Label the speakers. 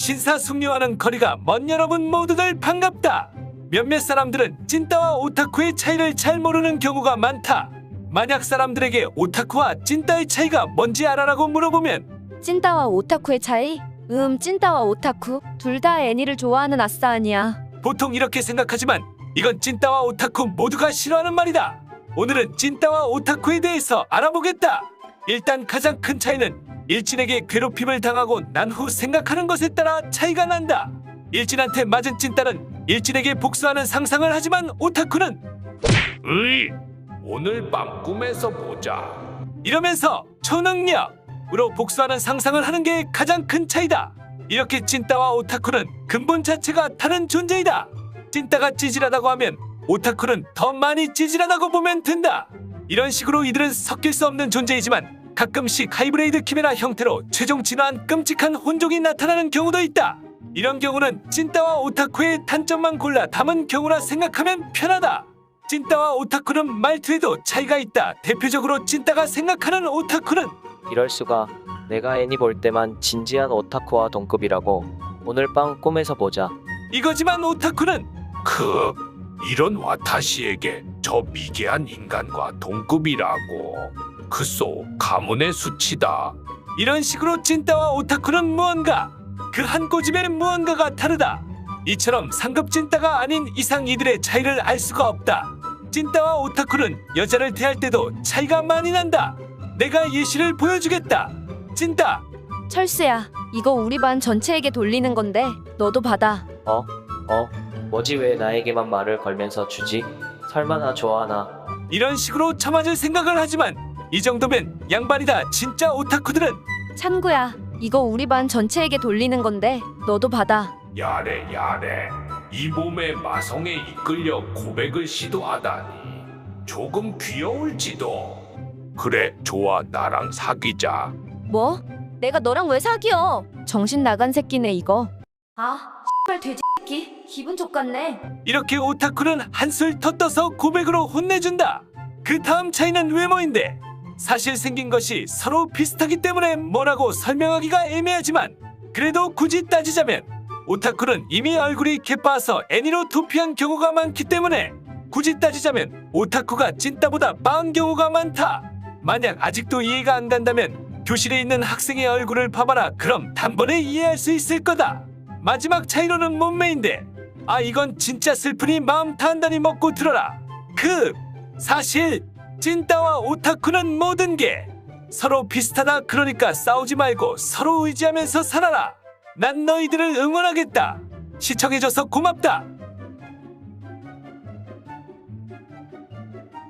Speaker 1: 신사숙녀와는 거리가 먼 여러분 모두들 반갑다. 몇몇 사람들은 찐따와 오타쿠의 차이를 잘 모르는 경우가 많다. 만약 사람들에게 오타쿠와 찐따의 차이가 뭔지 알아라고 물어보면
Speaker 2: 찐따와 오타쿠의 차이? 찐따와 오타쿠 둘 다 애니를 좋아하는 아싸 아니야.
Speaker 1: 보통 이렇게 생각하지만 이건 찐따와 오타쿠 모두가 싫어하는 말이다. 오늘은 찐따와 오타쿠에 대해서 알아보겠다. 일단 가장 큰 차이는 일진에게 괴롭힘을 당하고 난 후 생각하는 것에 따라 차이가 난다. 일진한테 맞은 찐따는 일진에게 복수하는 상상을 하지만 오타쿠는 으이 오늘 밤 꿈에서 보자 이러면서 초능력으로 복수하는 상상을 하는 게 가장 큰 차이다. 이렇게 찐따와 오타쿠는 근본 자체가 다른 존재이다. 찐따가 찌질하다고 하면 오타쿠는 더 많이 찌질하다고 보면 된다. 이런 식으로 이들은 섞일 수 없는 존재이지만 가끔씩 하이브레이드 키메라 형태로 최종 진화한 끔찍한 혼종이 나타나는 경우도 있다. 이런 경우는 찐따와 오타쿠의 단점만 골라 담은 경우라 생각하면 편하다. 찐따와 오타쿠는 말투에도 차이가 있다. 대표적으로 찐따가 생각하는 오타쿠는
Speaker 3: 이럴 수가. 내가 애니 볼 때만 진지한 오타쿠와 동급이라고. 오늘 밤 꿈에서 보자.
Speaker 1: 이거지만 오타쿠는 이런 와타시에게 저 미개한 인간과 동급이라고. 그소 가문의 수치다. 이런 식으로 찐따와 오타쿠는 무언가 그 한 꼬집의 무언가가 다르다. 이처럼 상급 찐따가 아닌 이상 이들의 차이를 알 수가 없다. 찐따와 오타쿠는 여자를 대할 때도 차이가 많이 난다. 내가 예시를 보여주겠다. 찐따
Speaker 2: 철수야, 이거 우리 반 전체에게 돌리는 건데 너도 받아.
Speaker 3: 뭐지 왜 나에게만 말을 걸면서 주지? 설마 나 좋아하나?
Speaker 1: 이런 식으로 처맞을 생각을 하지만 이 정도면 양반이다. 진짜 오타쿠들은
Speaker 2: 찬구야, 이거 우리 반 전체에게 돌리는 건데 너도 받아.
Speaker 4: 야래 이 몸의 마성에 이끌려 고백을 시도하다니 조금 귀여울지도. 그래 좋아 나랑 사귀자.
Speaker 2: 뭐? 내가 너랑 왜 사귀어? 정신 나간 새끼네 이거. 씨발 돼지 새끼 기분 족같네.
Speaker 1: 이렇게 오타쿠는 한술 더 떠서 고백으로 혼내준다. 그 다음 차이는 외모인데 사실 생긴 것이 서로 비슷하기 때문에 뭐라고 설명하기가 애매하지만 그래도 굳이 따지자면 오타쿠는 이미 얼굴이 개빠서 애니로 도피한 경우가 많기 때문에 굳이 따지자면 오타쿠가 찐따보다 빠은 경우가 많다. 만약 아직도 이해가 안 간다면 교실에 있는 학생의 얼굴을 봐봐라. 그럼 단번에 이해할 수 있을 거다. 마지막 차이로는 몸매인데 이건 진짜 슬프니 마음 단단히 먹고 들어라. 사실 찐따와 오타쿠는 모든 게 서로 비슷하다. 그러니까 싸우지 말고 서로 의지하면서 살아라. 난 너희들을 응원하겠다. 시청해줘서 고맙다.